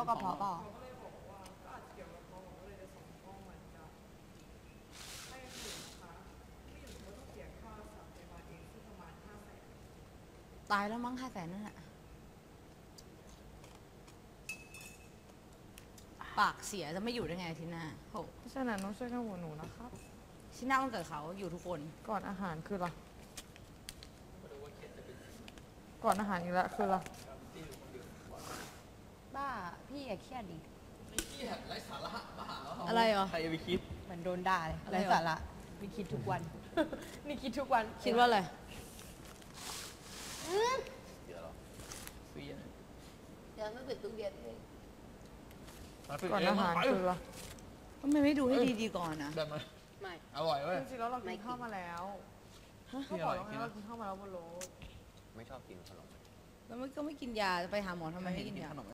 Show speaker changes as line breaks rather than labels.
โรคกระเพาะเปล่าตายแล้วมั้ง500,000นั่นแหละปากเสียจะไม่อยู่ได้ไงอาทีหน้าโห
เพราะฉะนั้นต้องช่วยกันหัวหนูนะครับ
ที่หน้าวันเกิดเขาอยู่ทุกคน
ก่อนอาหารคืออะไรก่อนอาหารอีกแล้วคืออะไร
บ้าพี่อย่าเครียดดิ
ไม่เครียดไร้สาระบ้าเหรอ
อะไรเหรอ
ใครจะไปคิด
เหมือนโดนด่าเลยอะไรไร้เหรอสาระมีคิดทุกวัน นี่คิดทุกวันคิดว่าอะไร
เดี๋ยวหรอฟรีนะ
เดี๋ยวไม่ปิดตู้เย็นเลย
ก่อนอาหารคืออะไร
ทำไมไม่ดูให้ดีๆก่อนนะ
แบบมัน
ไม่
อร่อยเว้ย
จริงๆแล้วเรากินข้าวมาแล้วเขาบอกแล้วไงว่าเรากินข้าวมาแล้วบนรถ
ไม่ชอบกินขนม
แล้วมันก็ไม่กินยาจะไปหาหมอทำไมไม่กินยา
ขนม